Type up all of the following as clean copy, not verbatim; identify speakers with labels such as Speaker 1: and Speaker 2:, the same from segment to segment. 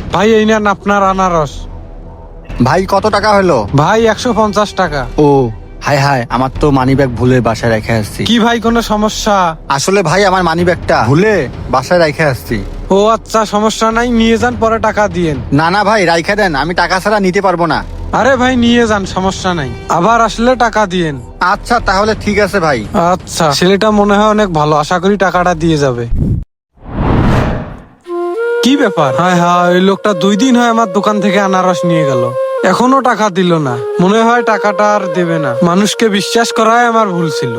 Speaker 1: ভাই এই নেন আপনার আনারস।
Speaker 2: ভাই কত টাকা হলো?
Speaker 1: ভাই 150 টাকা।
Speaker 2: ও হাই হাই, আমার তো মানিব্যাগ ভুলে বাসায় রেখে আসছি।
Speaker 1: কি ভাই কোনো সমস্যা?
Speaker 2: আসলে ভাই আমার মানিব্যাগটা ভুলে বাসায় রেখে আসছি।
Speaker 1: ও আচ্ছা, সমস্যা নাই, নিয়ে যান, পরে টাকা দিয়েন।
Speaker 2: না না ভাই, রাইখা দেন, আমি টাকা ছাড়া নিতে পারবো না।
Speaker 1: আরে ভাই নিয়ে যান, সমস্যা নাই, আবার আসলে টাকা দিয়েন।
Speaker 2: আচ্ছা তাহলে ঠিক আছে ভাই।
Speaker 1: আচ্ছা, ছেলেটা মনে হয় অনেক ভালো, আশা করি টাকাটা দিয়ে যাবে। কি ব্যাপার? হ্যাঁ হ্যাঁ, ওই লোকটা 2 দিন হয় আমার দোকান থেকে আনারস নিয়ে গেল, এখনো টাকা দিল না। মনে হয় টাকাটা আর দেবে না। মানুষকে বিশ্বাস করাই আমার ভুল ছিল।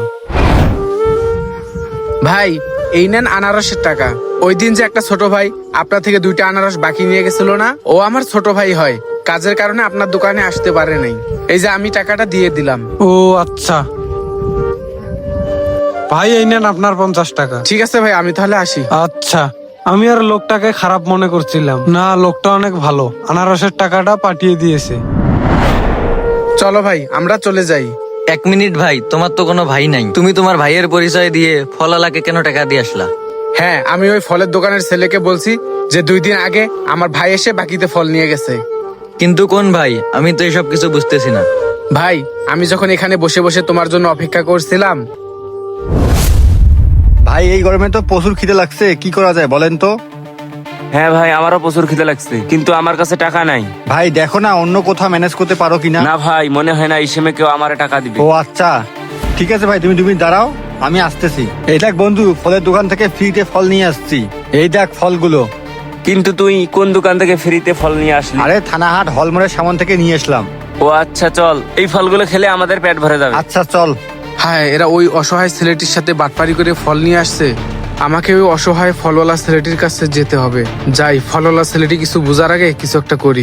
Speaker 3: ভাই এই নেন আনারসের টাকা। ওই দিন যে একটা ছোট ভাই আপনার থেকে 2টা আনারস বাকি নিয়ে গেছিল না, ও আমার ছোট ভাই হয়, কাজের কারণে আপনার দোকানে আসতে পারে নাই। এই যে আমি টাকাটা দিয়ে দিলাম।
Speaker 1: ও আচ্ছা ভাই, এই নেন আপনার 50 টাকা।
Speaker 3: ঠিক আছে ভাই, আমি তাহলে আসি।
Speaker 1: আচ্ছা, আমি আর লোকটাকে খারাপ মনে করছিলাম না, লোকটা অনেক ভালো, আনারসের টাকাটা পাঠিয়ে দিয়েছে।
Speaker 3: চলো ভাই আমরা চলে যাই।
Speaker 4: 1 মিনিট ভাই, তোমার তো কোনো ভাই নাই, তুমি তোমার ভাইয়ের পরিচয় দিয়ে ফলালাকে কেন টাকা দিয়ে আসলা?
Speaker 3: হ্যাঁ, আমি ওই ফলের দোকানের ছেলেকে বলছি যে 2 দিন আগে আমার ভাই এসে বাকিতে ফল নিয়ে গেছে।
Speaker 4: কিন্তু কোন ভাই? আমি তো এসব কিছু বুঝতেছি না।
Speaker 3: ভাই আমি যখন এখানে বসে বসে তোমার জন্য অপেক্ষা করছিলাম।
Speaker 2: ভাই এই গরমে তো প্রচুর খিদে লাগছে, কি করা যায় বলেন তো?
Speaker 5: হ্যাঁ ভাই, আমারও প্রচুর খিদে লাগছে, কিন্তু আমার কাছে টাকা নাই।
Speaker 2: ভাই দেখো না অন্য কোথাও ম্যানেজ করতে পারো কিনা।
Speaker 5: না ভাই, মনে হয় না এই সময় কেউ আমার টাকা দিবে।
Speaker 2: ও আচ্ছা ঠিক আছে ভাই, তুমি 2 মিনিট দাঁড়াও, আমি আসতেছি। এই দেখ বন্ধু, ফলের দোকান থেকে ফ্রিতে ফল নিয়ে আসছি, এই দেখ ফলগুলো।
Speaker 5: কিন্তু তুই কোন দোকান থেকে ফ্রিতে ফল নিয়ে আসলি?
Speaker 2: আরে থানাহাট হলমোড়ের সামন থেকে নিয়ে আসলাম।
Speaker 5: ও আচ্ছা, চল, এই ফলগুলো খেলে আমাদের পেট ভরে যাবে।
Speaker 2: আচ্ছা চল।
Speaker 3: হ্যাঁ, এরা ওই অসহায় ছেলেটির সাথে বাটপারি করে ফল নিয়ে আসছে। আমাকে ওই অসহায় ফলওয়ালা ছেলেটির কাছে যেতে হবে। যাই, ফলওয়ালা ছেলেটি কিছু বোঝার আগে কিছু একটা করি।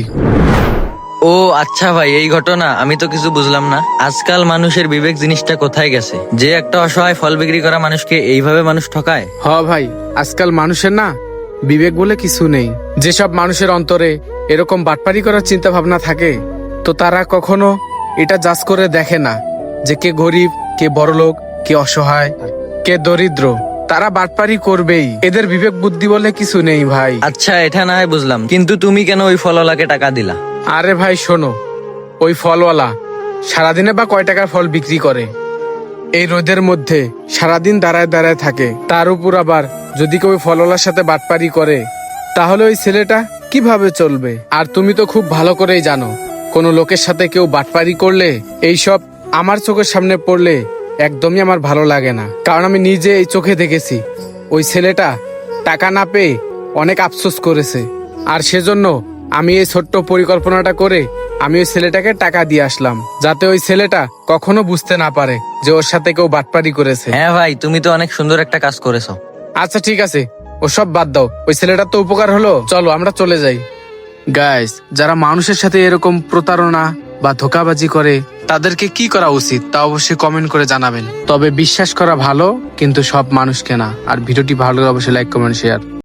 Speaker 4: ও আচ্ছা ভাই, এই ঘটনা, আমি তো কিছু বুঝলাম না। আজকাল মানুষের বিবেক জিনিসটা কোথায় গেছে, যে একটা অসহায় ফল বিক্রি করা মানুষকে এইভাবে মানুষ ঠকায়?
Speaker 3: হ ভাই, আজকাল মানুষের না বিবেক বলে কিছু নেই। যেসব মানুষের অন্তরে এরকম বাটপারি করার চিন্তা ভাবনা থাকে, তো তারা কখনো এটা জাজ করে দেখে না যে কে গরিব, কে বড়লোক, কে অসহায়, কে দরিদ্র। তারা বাটপারি করবেই, এদের বিবেক বুদ্ধি বলে কিছু নেই ভাই।
Speaker 4: আচ্ছা এটা না হয় বুঝলাম, কিন্তু তুমি কেন ওই ফলওয়ালাকে টাকা দিলা?
Speaker 3: আরে ভাই শোনো, ওই ফলওয়ালা সারাদিনে বা কয় টাকার ফল বিক্রি করে? এই রোদের মধ্যে সারাদিন দাঁড়ায় দাঁড়ায় থাকে, তার উপর আবার যদি কেউ ওই ফলওয়ালার সাথে বাটপারি করে, তাহলে ওই ছেলেটা কিভাবে চলবে? আর তুমি তো খুব ভালো করেই জানো, কোনো লোকের সাথে কেউ বাটপারি করলে, এইসব আমার চোখের সামনে পড়লে একদমই আমার ভালো লাগে না। কারণ আমি নিজে এই চোখে দেখেছি, ওই ছেলেটা টাকা না পেয়ে অনেক আফসোস করেছে। আর সেজন্য আমি এই ছোট্ট পরিকল্পনাটা করে আমি ওই ছেলেটাকে টাকা দিয়ে আসলাম, যাতে ওই ছেলেটা কখনো বুঝতে না পারে যে ওর সাথে কেউ বাটপারি করেছে।
Speaker 4: হ্যাঁ ভাই, তুমি তো অনেক সুন্দর একটা কাজ করেছো।
Speaker 3: আচ্ছা ঠিক আছে, ওসব বাদ দাও, ওই ছেলেটার তো উপকার হলো, চলো আমরা চলে যাই। গাইস, যারা মানুষের সাথে এরকম প্রতারণা বা ধোঁকাবাজি করে, তাদেরকে কি করা উচিত তা অবশ্যই কমেন্ট করে জানাবেন। তবে বিশ্বাস করা ভালো, কিন্তু সব মানুষকে না। আর ভিডিওটি ভালো লাগলে অবশ্যই লাইক, কমেন্ট, শেয়ার।